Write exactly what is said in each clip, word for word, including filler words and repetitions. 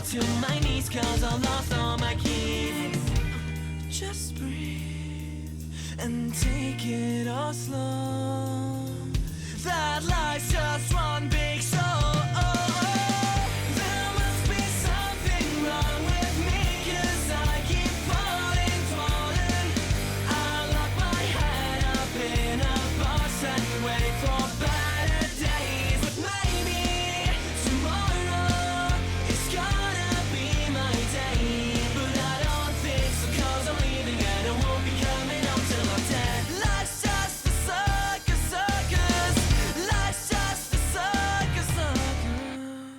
to my knees cause I lost all my keys. Just breathe and take it all slow. That life's just one big show. There must be something wrong with me cause I keep falling, falling. I lock my head up in a box and wait for better days. But maybe tomorrow is gonna be my day. But I don't think so cause I'm leaving and I won't be coming home till I'm dead. Life's just a circus, circus. Life's just a circus, circus.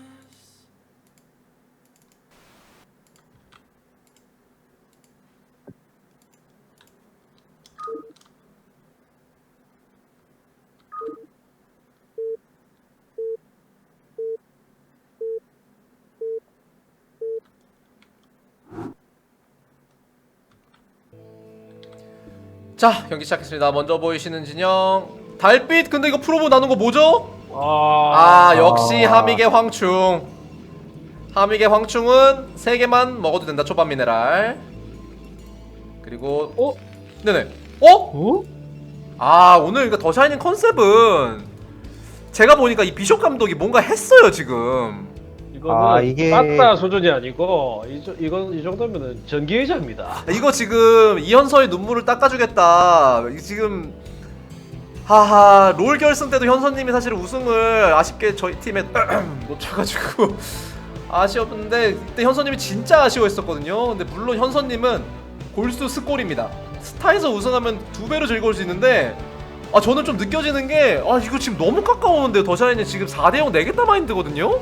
자, 경기 시작했습니다. 먼저 보이시는 진영 달빛. 근데 이거 프로브 나눈 거 뭐죠? 아, 아, 역시 하믹의 황충. 하믹의 황충은 세 개만 먹어도 된다. 초밥 미네랄. 그리고 어? 네네. 어? 어? 아, 오늘 이거 더 샤이닝 컨셉은 제가 보니까 이 비숍 감독이 뭔가 했어요 지금. 이거는 아, 이게- 빠따 수준이 아니고 이, 저- 이건 이 정도면은 전기의자입니다. 이거 지금 이현서의 눈물을 닦아주겠다. 이 지금 하하 롤 결승 때도 현서님이 사실 우승을 아쉽게 저희 팀에 놓쳐가지고 아쉬웠는데 그때 현서님이 진짜 아쉬워했었거든요. 근데 물론 현서님은 골수 스골입니다. 스타에서 우승하면 두 배로 즐거울 수 있는데 아 저는 좀 느껴지는 게 아 이거 지금 너무 가까웠는데요. 더샤인이 지금 사 대 영 내겠다 마인드거든요.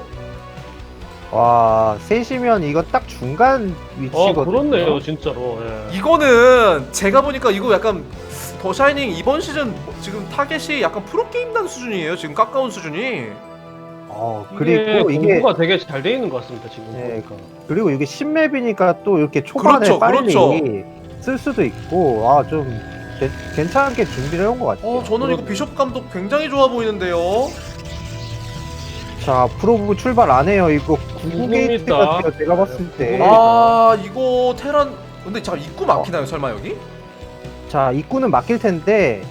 와, 셋이면 이거 딱 중간 어, 위치거든요. 그렇네요, 진짜로. 예. 이거는 제가 보니까 이거 약간 더 샤이닝 이번 시즌 지금 타겟이 약간 프로게임단 수준이에요. 지금 가까운 수준이. 어, 이게 그리고 이게 공부가 되게 잘 돼 있는 것 같습니다, 지금 네, 보니까. 그리고 이게 신맵이니까 또 이렇게 초반에 그렇죠, 빨리 그렇죠. 쓸 수도 있고 아, 좀 게- 괜찮게 준비를 해온 것 같아요. 어 저는 이거 비숍 감독 굉장히 좋아 보이는데요. 자, 프로브 출발 안 해요. 이거 구구 게이트 궁금했다. 같아요. 제가 봤을 때. 네. 아 이거 테란 근데 잠깐 입구 막히나요 설마 여기? 자, 입구는 막힐 텐데.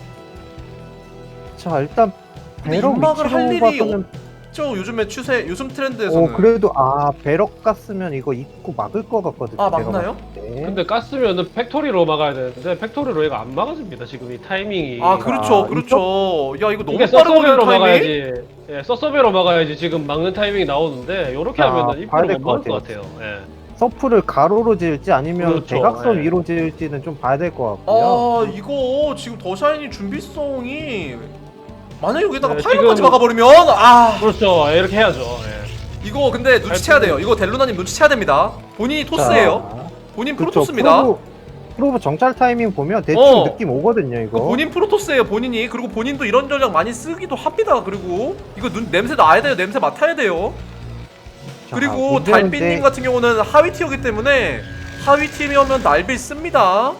자, 일단 근데 배럭 입막을 위치로 할 일이 봐서는 저 요즘에 추세 요즘 트렌드에서는 어, 그래도 아, 배럭 갔으면 이거 입구 막을 것 같거든요. 아, 제가 막나요? 봤을 때. 근데 깠으면은 팩토리로 막아야 되는데 팩토리로 얘가 안 막아집니다, 지금 이 타이밍이. 아 그렇죠 아, 그렇죠. 야 이거 너무 이게 빠르거든요 서서베로 타이밍. 막아야지. 예, 서서베로 막아야지 지금 막는 타이밍이 나오는데 요렇게 자, 하면은 봐야 입구를 될 못 것 막을 것 같아요. 같아요. 예. 서프를 가로로 지을지 아니면 그렇죠, 대각선 예. 위로 지을지는 좀 봐야 될 것 같고요. 아 이거 지금 더 샤이니 준비성이 만약 여기다가 네, 파일럿까지 지금- 막아버리면 아 그렇죠. 예, 이렇게 해야죠. 예. 이거 근데 눈치채야 돼요. 이거 델루나님 눈치채야 됩니다. 본인이 토스예요. 자, 본인 그쵸, 프로토스입니다. 프로브, 프로브 정찰 타이밍 보면 대충 어. 느낌 오거든요, 이거. 본인 프로토스예요 본인이. 그리고 본인도 이런 전략 많이 쓰기도 합니다. 그리고 이거 눈 냄새 나야 돼요. 냄새 맡아야 돼요. 자, 그리고 문제는 달빛님 이제- 같은 경우는 하위 티어기 때문에 하위 팀이면 날빌 씁니다.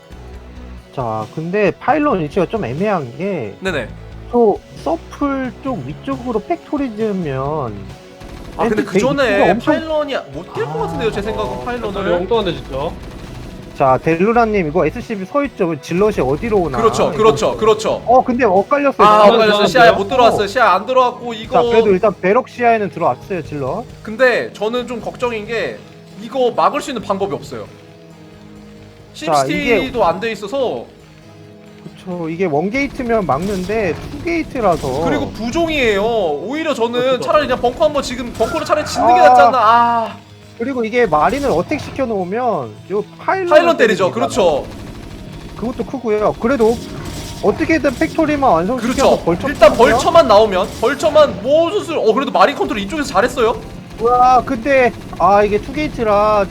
자, 근데 파일럿 위치가 좀 애매한 게, 네네. 또 서플 쪽 위쪽으로 팩토리 지으면. 아 근데 애들 그 전에 입구가 엄청- 파일런이 못 뛸 것 같은데요. 제 생각은 팩토리 파일런을. 엉뚱한데 진짜. 자, 델루라님, 이거 에스씨비 서 있죠? 질럿이 어디로 오나? 그렇죠, 이거. 그렇죠, 그렇죠. 어, 근데 엇갈렸어요. 아 이거 엇갈렸어. 이거 시야에 이거 못 들어왔어요. 어. 시야 안 들어왔고 자, 이거. 그래도 일단 배럭 시야에는 들어왔어요, 질럿. 근데 저는 좀 걱정인 게 이거 막을 수 있는 방법이 없어요. 자, 심시티도 안 돼 있어서. 그쵸, 이게 원게이트면 막는데 투게이트라서. 그리고 부종이에요. 오히려 저는 그렇죠. 차라리 그냥 벙커 한번 지금 벙커를 차라리 짓는 게 아. 낫지 않나. 아 그리고 이게 마린을 어택 시켜놓으면 요 파일럿 파일런 때리죠. 그렇죠. 그것도 크고요. 그래도 어떻게든 팩토리만 완성시켜서 그렇죠. 벌쳐 일단 벌처만 나오면 벌처만 모수술. 어 그래도 마린 컨트롤 이쪽에서 잘했어요. 와, 근데 아, 이게 투게이트라.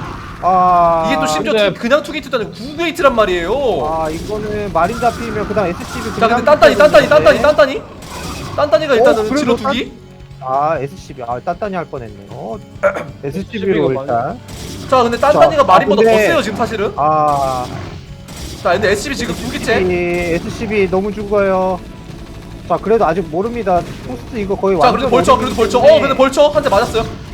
아, 이게 또 심지어 근데- 투- 그냥 투게이트도 아니고 구 게이트란 말이에요. 아, 이거는 마린 잡히면 그다음 에스씨비. 자 근데 딴딴이 딴딴이 딴딴이 딴딴이 딴딴이가 일단은 그래도 질러 딴- 두기. 아, 에스씨비. 아, 딴딴이 할 뻔했네요. 에스씨비로 에스씨비가 일단. 자 근데 딴딴이가 자, 마린보다 아, 근데- 더 세요 지금 사실은. 아, 자 근데 에스씨비 지금 두 개째. 에스씨비 너무 죽어요. 자, 그래도 아직 모릅니다. 포스트 이거 거의 자 완전 그래도 벌쳐 그래도 어린이기 벌쳐. 어 때문에. 근데 벌쳐 한 대 맞았어요.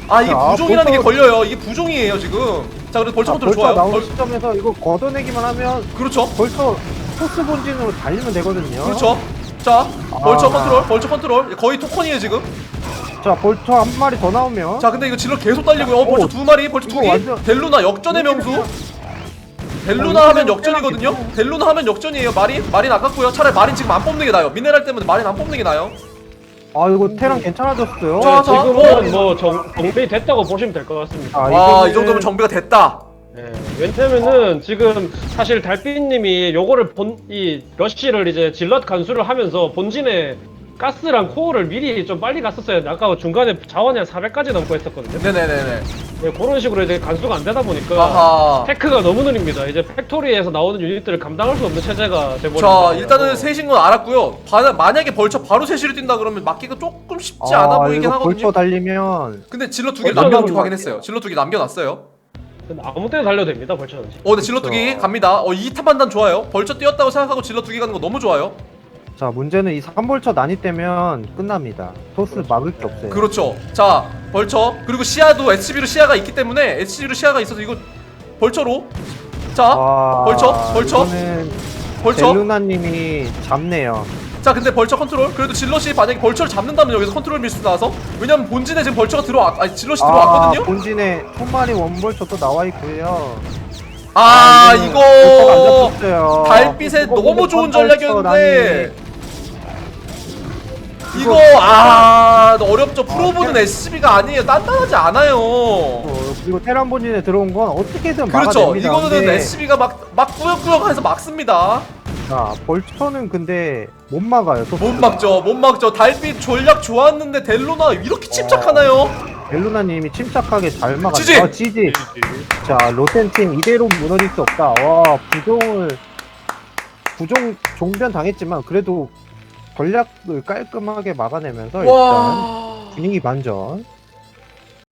아 이게 자, 부종이라는 게 벌써- 걸려요. 이게 부종이에요 지금. 자 그래도 벌처 자, 컨트롤 벌써 좋아요. 나온 벌, 시점에서 이거 걷어내기만 하면 그렇죠. 벌써 토스 본진으로 달리면 되거든요. 그렇죠. 자 벌처 아. 컨트롤, 벌처 컨트롤 거의 토큰이에요 지금. 자, 벌처 한 마리 더 나오면 자 근데 이거 질러 계속 달리고요. 어, 벌처 오, 두 마리, 벌처 두 이거 개. 완전- 델루나 역전의 명수. 델루나 어, 하면 이거 역전이거든요. 깨끗하게 델루나 하면 역전이에요. 마린, 마린 아깝고요. 차라리 마린 지금 안 뽑는 게 나아요. 미네랄 때문에 마린 안 뽑는 게 나아요. 아, 이거 테랑 괜찮아졌어요. 자, 자. 지금은 뭐 정, 정비 됐다고 보시면 될 것 같습니다. 아, 와, 이거는- 이 정도면 정비가 됐다. 예, 왜냐면은 지금 사실 달빛님이 요거를 본 이 러쉬를 이제 질럿 간수를 하면서 본진에 가스랑 코어를 미리 좀 빨리 갔었어야 돼. 아까 중간에 자원이 한 사백까지 넘고 했었거든요. 네네네네. 예, 그런 식으로 이제 간수가 안 되다 보니까 아하. 테크가 너무 느립니다. 이제 팩토리에서 나오는 유닛들을 감당할 수 없는 체제가 돼버린 자, 거예요. 일단은 셋인 건 알았고요. 바, 만약에 벌처 바로 셋시로 뛴다 그러면 막기가 조금 쉽지 아, 않아 보이긴 이거 하거든요. 벌처 달리면 근데 질러 두 개를 벌처는 남겨놓고 막- 가긴 했어요. 질러 두 개 남겨놨어요. 아무 때나 달려도 됩니다. 벌처는. 어, 근데 질러 두 개 그쵸. 갑니다. 어, 이 타 판단 좋아요. 벌처 뛰었다고 생각하고 질러 두 개 가는 거 너무 좋아요. 자, 문제는 이 삼 벌처 난입되면 끝납니다. 토스 그렇죠. 막을 게 없어요. 그렇죠. 자, 벌처. 그리고 시야도 에스씨비로 시야가 있기 때문에 에스씨비로 시야가 있어서 이거 벌처로. 자, 아, 벌처, 벌처. 이거는 벌처. 델루나님이 잡네요. 자, 근데 벌처 컨트롤. 그래도 질럿이 만약에 벌처를 잡는다면 여기서 컨트롤 밀수 나와서. 왜냐면 본진에 지금 벌처가 들어와, 아니 질럿이 아, 들어왔거든요. 본진에 총마리 원벌처 또 나와 있고요. 아, 이거는 이거 벌처가 안 잡혔어요. 달빛의 이거 너무 근데 좋은 벌처 전략이었는데 이거 이거 아 어렵죠. 프로브는 테- 에스씨비가 아니에요. 단단하지 않아요. 어, 그리고 테란 본진에 들어온 건 어떻게든 그렇죠. 막아냅니다. 이거는 근데 에스씨비가 막 막 꾸역꾸역해서 막습니다. 자, 벌처는 근데 못 막아요. 못 토스가. 막죠. 못 막죠. 달빛 전략 좋았는데 델로나 이렇게 침착하나요? 델루나님이 침착하게 잘 막았죠. 지지! 아, 지지. 자, 로텐팀 이대로 무너질 수 없다. 와, 부종을 부종 종변 당했지만 그래도 전략을 깔끔하게 막아내면서 일단 와. 분위기 반전.